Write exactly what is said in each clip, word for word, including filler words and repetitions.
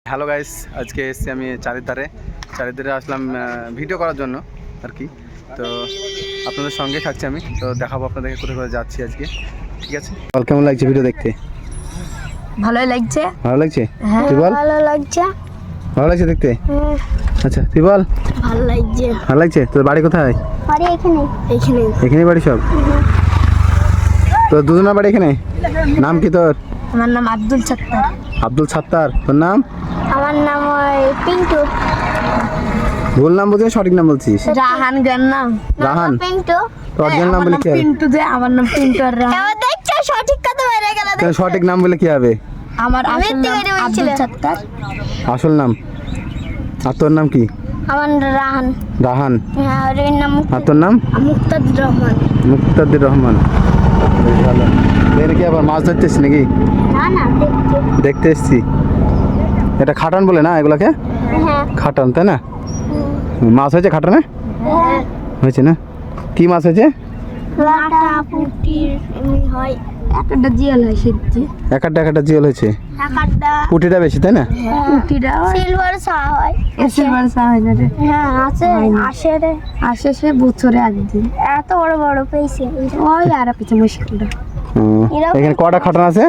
Hello guys, আজকে এসেছি আমি চারিধারে চারিধারে আসলাম ভিডিও করার জন্য আর কি। তো আপনাদের সঙ্গে থাকছি আমি, তো দেখাবো আপনাদেরকে কোথায় কোথায় যাচ্ছি আজকে, ঠিক আছে? বল, কেমন লাগছে ভিডিও দেখতে? ভালোই লাগছে। ভালো লাগছে? হ্যাঁ তুই বল। ভালো লাগছে। ভালো লাগছে দেখতে? আচ্ছা তুই বল। ভালো লাগছে। ভালো লাগছে? তোর বাড়ি কোথায়? বাড়ি এখানে। এখানে এখানে বাড়ি সব? তোর দুজনের বাড়ি এখানে? নাম কি তোর? আমার নাম আব্দুল সত্তার। আব্দুল সত্তার। তোর নাম? আমার নাম ওই পিন্টু। ভুল নাম বলছিস, সঠিক নাম বলছিস? রাহান গান নাম। রাহান? পিন্টু। তোর অরিজিনাল নাম বলে কি হবে? পিন্টু যে আমার নাম পিন্টু আর রাহান। এবার দেখছো সঠিক কথা বেরিয়ে গেল। তোর সঠিক নাম বলে কি হবে? আমার আসল নাম আব্দুল সত্তার। আসল নাম? আর তোর নাম কি? আমার রাহান। রাহান? হ্যাঁ, আর এর নাম আর তোর নাম? মুক্তাদির রহমান। মুক্তাদির রহমান। বেশ ভালো। এর কি আবার মাছ ধরতে এসছি নাকি? না না দেখতে। দেখতে এসছি। এটা খাটান বলে না এগুলাকে? হ্যাঁ। খাটান, তাই না? মাছ হয়েছে খাটানে? হ্যাঁ। হয়েছে না? কি মাছ হয়েছে? লাটা পুটির এমনি হয়। একটা জিয়াল হয় সিদ্ধি। একটা একটা জিওল হয়েছে। একটা পুটিটা বেশি, তাই না? পুটিটা সিলভার সা হয়। সিলভার সা হয় না রে? হ্যাঁ আছে, আসে রে। আসে সে বছরে একদিন। এত বড় বড় পেয়েছে ওই আর পিছে মুশকিলটা। হুম, এখানে কটা খাটান আছে?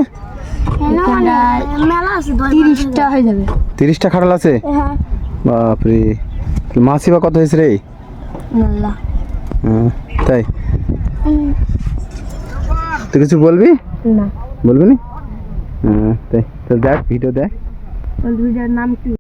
মেলা আছে, তিরিশটা হয়ে যাবে। তিরিশটা খাটাল আছে? হ্যাঁ। বাপরে, মাছই বা কত হয়েছে রে? আল্লাহ। হ্যাঁ, তাই? তুই কিছু বলবি? না বলবি না? হ্যাঁ, তাই তো দেখ ভিডিও দেখ। ওই ভিডিওর নাম কি?